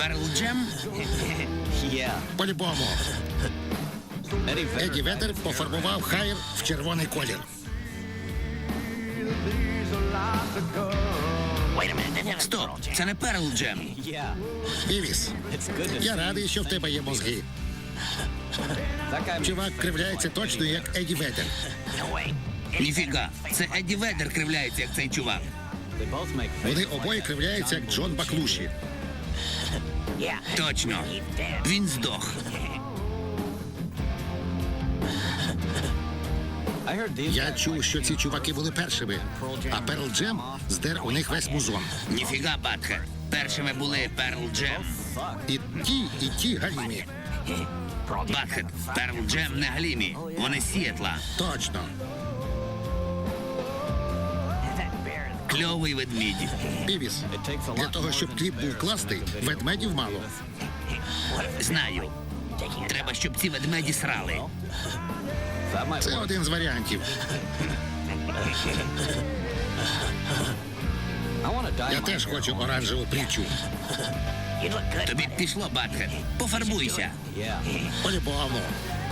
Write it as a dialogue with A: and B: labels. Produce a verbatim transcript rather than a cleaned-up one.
A: Перл Джем?
B: По-любому. Еді Веддер пофарбував Хайр в червоний колір.
A: Стоп, це не Перл Джем.
B: Івіс, я радий, що в тебе є мозги. Чувак кривляється точно, як Еді Веддер.
A: Ніфіга, це Еді Веддер кривляється, як цей чувак.
B: Вони обоє кривляються, як Джон Баклуші.
A: Точно. Він здох.
B: Я чув, що ці чуваки були першими, а Перл Джем здер у них весь музон.
A: Ніфіга, Батхед. Першими були Перл Джем.
B: І ті, і ті галімі.
A: Батхед, Перл Джем не Галімі. Вони з Сіетла.
B: Точно.
A: Кльовий ведмідь.
B: Івіс, для того, щоб кліп був класний, ведмедів мало.
A: Знаю. Треба, щоб ці ведмеді срали.
B: Це один з варіантів. Я теж хочу оранжеву притчу.
A: Тобі б пішло, Батхед. Пофарбуйся.
B: По-любому.